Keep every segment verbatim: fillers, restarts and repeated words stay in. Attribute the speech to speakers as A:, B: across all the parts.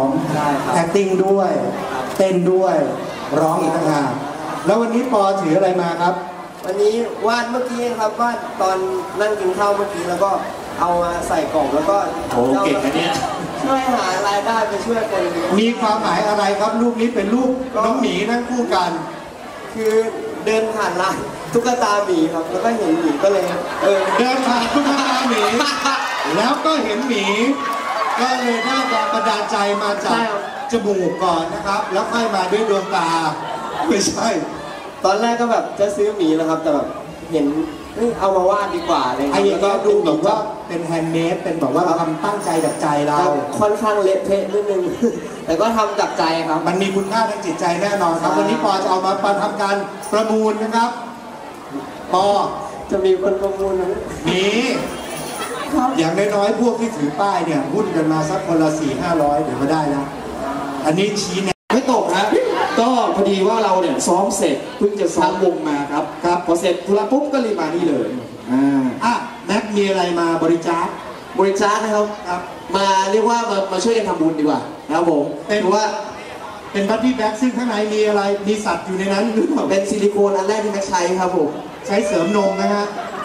A: ม acting ด้วยเต้นด้วยร้องอีกต่างหากแล้ววันนี้ปอถืออะไรมาครับ
B: วันนี้วาดเมื่อกี้ครับวาดตอนนั่งกินข้าวเมื่อกี้แล้วก็เอามาใส่กล่องแล้วก็
A: โอ้เก่งนะเนี่ย
B: ช่วยหารายได้ไปช่วยคน
A: มีความหมายอะไรครับรูปนี้เป็นรูปน้องหมีนั่งคู่กัน
B: คือเดินผ่านร้านตุ๊กตาหมีครับแล้วก็เห็นหมีก็เลยเออ
A: เดินผ่านตุ๊กตาหมีแล้วก็เห็นหมีก็เลยได้แรงบันดาลใจมาจากจมูกก่อนนะครับแล้วค่อยมาด้วยดวงตาไม่ใช่
B: ตอนแรกก็แบบจะซื้อหมีนะครับแต่แบบเห็นเอามาวาดดีกว่าเลย
A: ไอ้ยังก็ดูแบบว่าเป็นแฮนด์เมดเป็นแบบว่าทำตั้งใจจากใจเรา
B: ค่อนข้างเละเทะนิดนึงแต่ก็ทำจากใจครับ
A: มันมีคุณค่าทางจิตใจแน่นอนครับวันนี้ปอจะเอามาประทำการประมูลนะครับปอ
B: จะมีคนประมูลไหม
A: มีอย่างน้อยๆพวกที่ถือป้ายเนี่ยหุ้นกันมาสักคนละสี่ห้าร้อยเดี๋ยวก็ได้แล้วอันนี้ชี้แน
C: ไม่ตกนะก็พอดีว่าเราเนี่ยซ้อมเสร็จเพิ่งจะซ้อมวงมาครับครับพอเสร็จธุระปุ๊บก็รีบมานี่เลย
A: อ่าอ่ะแม็กมีอะไรมาบริจาค
C: บริจาคนะครับครับมาเรียกว่ามามาช่วยกันทำบุญดีกว่านะครับผม
A: เป็นว่าเป็นบัตตี้แบ็กซึ่งข้างในมีอะไรมีสัตว์อยู่ในนั้นหรือเปล่า
C: เป็นซิลิโคนอันแรกที่แม็กใช้ครับผม
A: ใช้เสริมนมนะฮะ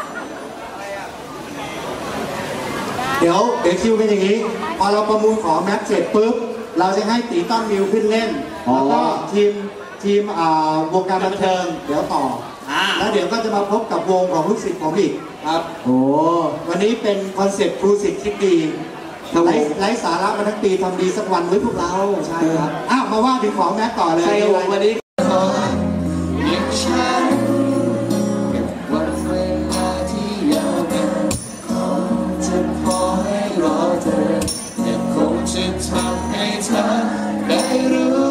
A: เดี๋ยวเดี๋ยวคิวเป็นอย่างนี้พอเราประมูลของแม็กเสร็จปุ๊บเราจะให้ตีต้นมิวขึ้นเล่นแล้วก็ทีมทีมวงการบันเทิงเดี๋ยวต่อแล้วเดี๋ยวก็จะมาพบกับวงของลูกศิษย์ผมอีกครับโอ้วันนี้เป็นคอนเซ็ปต์ครูศิษย์คิดดีไร้ไร้สาระมาทั้งปีทำดีสักวันไว้พวกเราใช่ครับอ้าวมาว่าถึงของแม็กต่อเลย
C: ใช่วันนี้จะทำให้เธอได้รู้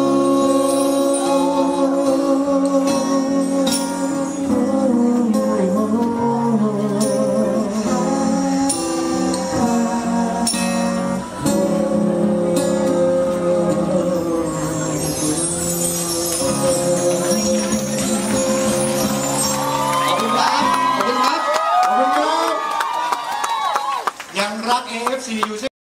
C: ขอบคุณครับขอบคุณครับขอบคุณครับ
A: ยังรัก เอ เอฟ ซี อยู่